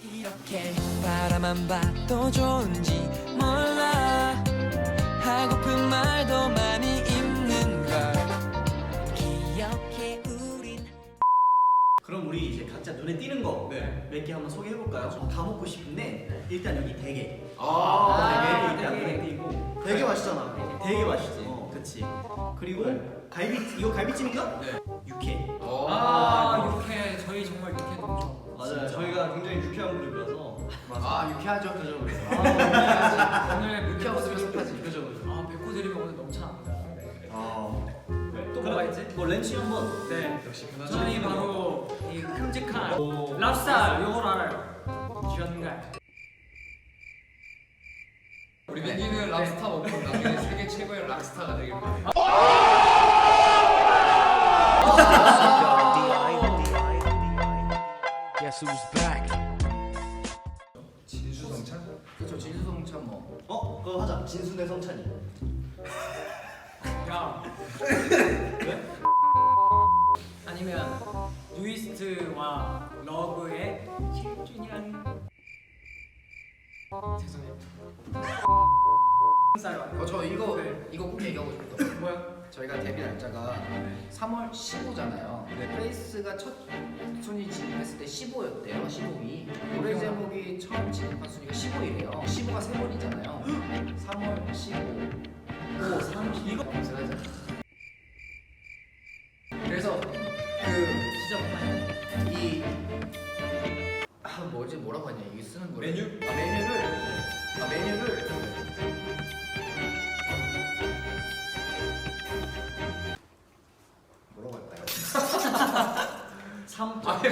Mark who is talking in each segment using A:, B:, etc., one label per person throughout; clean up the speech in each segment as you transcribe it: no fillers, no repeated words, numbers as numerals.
A: 이렇게 바라만 봐도 좋은지 몰라 하고픈 말도 많이 있는 걸 기억해 우린.
B: 그럼 우리 이제 각자 눈에 띄는 거 몇 개 한번 소개해 볼까요? 다 먹고 싶은데 일단 여기 대게. 대게 일단 눈에 띄고.
C: 되게 맛있잖아.
B: 되게 맛있지. 그치. 그리고 갈비 이거 갈비찜인가?
D: 네.
B: 육회.
E: 육회 저희 정말 육회 너무 좋아.
C: 맞아요. 저희가 굉장히 유쾌한 그룹이라서.
D: 유쾌하죠. 그죠.
E: 오늘
D: 유쾌 없으면 섭하지.
C: 그죠.
E: 백호 드리면 오늘 너무 참합니다. 또
B: 그럼
E: 뭐가 있지?
B: 뭐 렌치 한번.
E: 네.
D: 역시
E: 저희 바로 이 큼직한 랍스타 요걸 알아요. 쥐었는가요?
D: 우리 민기는 랍스타 먹고 나중에 세계 최고의 락스타가 되길 바랍니다.
A: Guess who's back?
D: 진수성찬? 그렇죠. 진수성찬 뭐.
C: 그거 하자. 진순의 성찬이.
E: 야. 아니면 뉴이스트와 러브의 7주년. 죄송해요.
D: 저 이거
E: 네.
D: 이거 꼭 얘기하고 싶다.
E: 뭐야?
D: 저희가 데뷔 날짜가 3월 15잖아요. 페이스가 첫 순위 진입했을 때 15였대요. 15위. 노래 제목이 처음 진입한 순위가 15이래요. 15가 세 번이잖아요. 3월 15. 5, 30. 이거 검색하자. 그래서
E: 진짜 못하네.
D: 뭐라고 하냐 이게 쓰는 거.
E: 메뉴?
D: 메뉴를 뭐라고 할까요?
E: 3.
D: 아니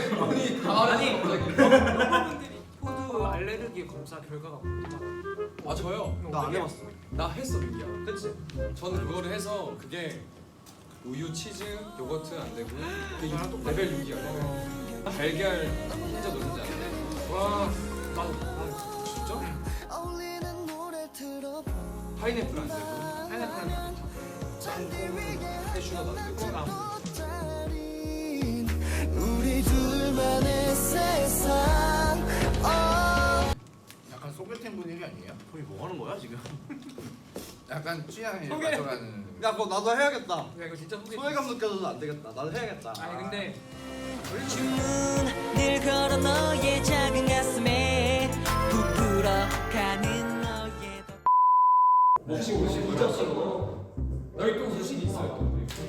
E: 여러분들이 포도 알레르기 검사 결과가 뭐야?
F: 저요?
C: 나 안 해봤어.
F: 나 했어 민기야. 그치? 저는 그거를 해서 그게 우유, 치즈, 요거트 안 되고 그게 레벨 6이야. 달걀 혼자 넣는지 안 돼.
E: 와, 나도.
F: 진짜? 파인애플 안 되고
E: 파인애플은
F: 캐슈넛 안 되고
A: 우리 둘만의 세상.
D: 약간 소개팅 분위기 아니에요?
C: 거기 뭐 하는 거야 지금?
D: 약간 취향에
E: 소개.
D: 맞춰가는.
C: 야, 그거 나도 해야겠다.
E: 야 이거 진짜 소개.
C: 소외감 느껴져서 안 되겠다. 나도 해야겠다.
E: 아니 근데
A: 주문을 걸어 너의 작은 가슴에 부풀어 가는 너의
F: 혹시 오시고 여기 또 무슨 있어요?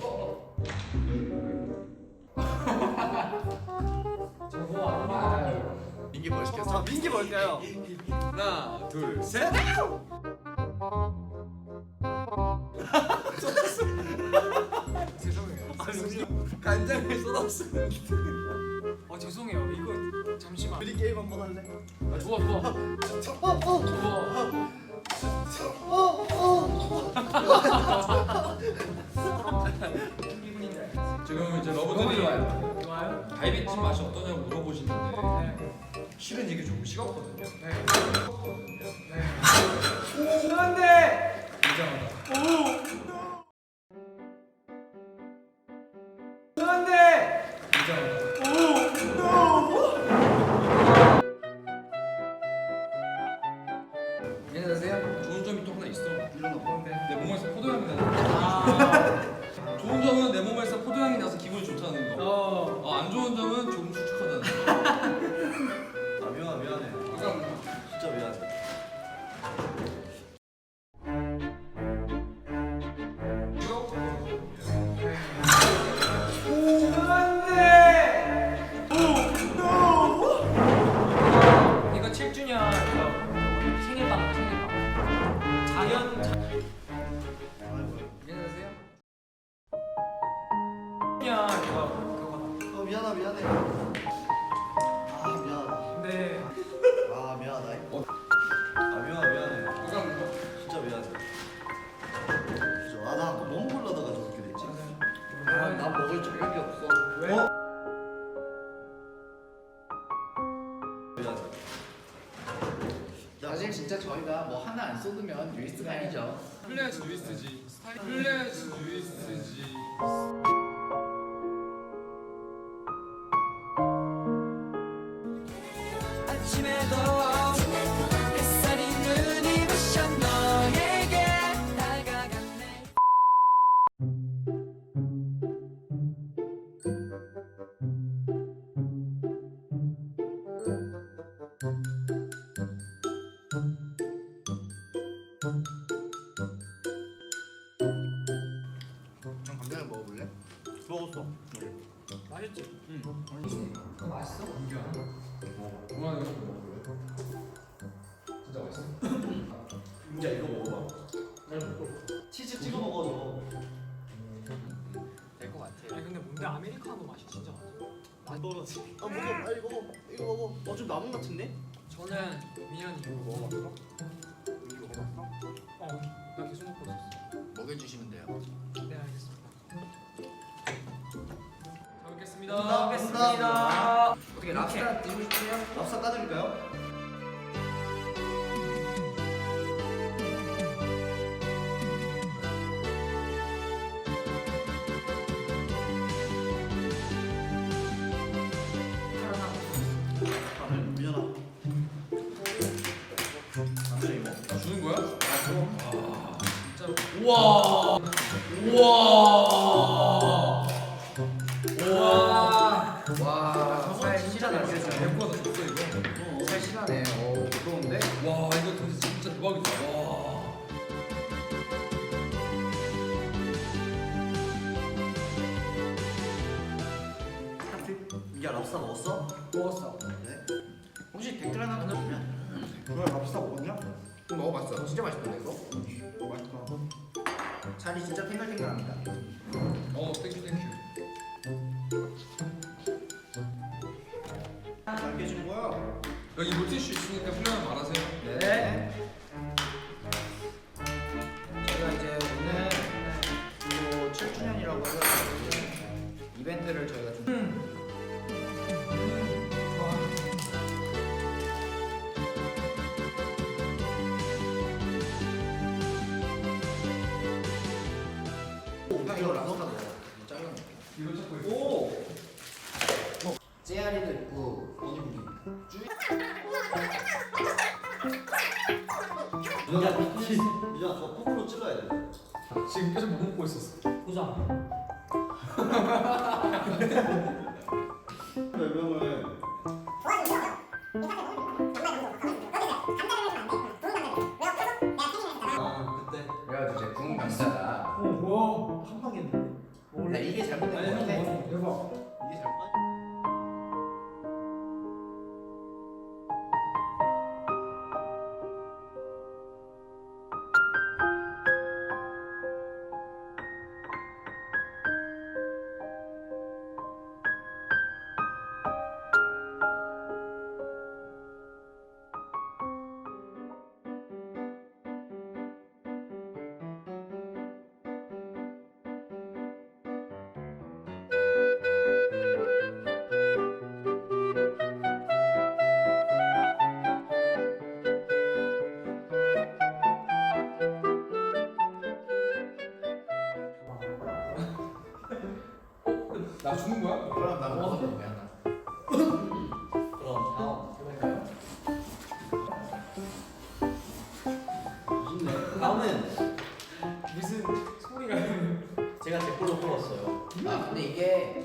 D: 민기 뭐 시켰어?
C: 자, 민기 뭘까요?
F: 하나, 둘, 셋.
E: 죄송해요.
F: 간장을 쏟았어.
E: 죄송해요. 이거 잠시만.
C: 우리 게임 한번 할래?
E: 좋아.
F: 지금 이제
D: 너무
F: 러브들이
D: 좋아요.
E: 좋아요?
F: 갈비찜 맛이 어떠냐고 물어보시는데
E: 네.
F: 실은 이게 좀 식었거든요.
E: 안돼.
D: 안녕하세요.
F: 좋은 점이 또 하나 있어.
D: 일어나고.
F: 내 몸에서 포도향이 나는. 좋은 점은 내 몸에서 포도향이 나서 기분이 좋다는 거. 안 좋은 점은 조금 축축하다는 거.
C: 아, 미안해. 진짜 미안해.
E: 이거 7주년 생일빵. 자연.
D: 안녕하세요.
E: 자연 그거.
C: 미안해. 아, 미안하다.
E: 근데
C: 아, 미안하다. 아, 미안해. 진짜 미안해. 그죠? 나 아까 뭐 먹으려다가 저렇게 됐지?
D: 난 먹을 자격이 없어.
E: 왜?
C: 미안해.
D: 사실 진짜 저희가 뭐 하나 안 쏟으면 뉴이스트가 아니죠.
F: 플레스 뉴이스트지. 플레스 뉴이스트지.
A: 아침에도 햇살이 눈이 부셔 너에게 다가갔네.
D: 형 감자를 먹어볼래?
B: 먹었어.
E: 맛있지?
D: 그거 맛있어?
F: 그만 이거 먹어볼래? 진짜 맛있어.
C: 야 이거 먹어봐. 치즈 찍어 먹어.
D: 될 것 같아.
E: 아니 근데 뭔데 아메리카노 맛이 진짜 맛있어.
C: 안 떨어지. 아 먹어. 빨리 먹어. 이거 먹어.
B: 좀 남은 것 같은데?
E: 저는 민현이 이거 먹어봤어? 이거 먹어봤어? 나 계속 먹고 있었어.
D: 먹여주시면 돼요.
E: 네 알겠습니다. 잘 먹겠습니다.
B: 먹겠습니다.
D: 어떻게 랍스타 드시고 싶으세요?
C: 랍스터 까드릴까요? 민현아. 안 돼, 이거.
F: 아, 주는 거야? 아, 진짜.
E: 우와.
D: 와, 살
B: 진짜
D: 실하네.
B: 맛있어.
F: 대포가 다 줬어 이거.
D: 살 실하네. 오, 부러운데?
F: 와 이거 진짜 대박이다. 와.
C: 야 랍스터 먹었어?
D: 먹었어.
C: 네.
D: 혹시 댓글 하나 넣어주면?
C: 그래 랍스터 먹었냐?
D: 먹어봤어. 진짜 맛있던데 이거?
C: 맛있다.
D: 살이 진짜 탱글탱글합니다.
F: 땡큐.
C: 잘 깨지는 거야?
F: 여기 물티슈 있으니까 필요하면 말하세요.
D: 네. 제가 이제 오늘 또 7주년이라고 해서 이벤트를 저희가 좀 이거 랍스터 먹어. 이거 잘라놓을게.
F: 이거 찾고 있어.
C: 오.
D: 째아리도 있고 미니북이 있고.
C: 민현아 저 폼으로 찔러야 돼.
F: 지금 계속 못 먹고 있었어.
E: 보자.
C: 왜냐면 아 그때
D: 그래가지고 제 구운 감자가
E: 와.
B: 한 방에 했는데.
D: 나 이게 잘못된 거 같아.
E: 대박.
D: 이게 잘못.
F: 나 주는 거야?
D: 그럼 나 먹어도 돼 하나.
C: 그럼
D: 해볼까요?
C: 맛있네. 다음은
E: 무슨 소리가.
B: 제가 제 걸로 뽑았어요.
D: 아 근데 이게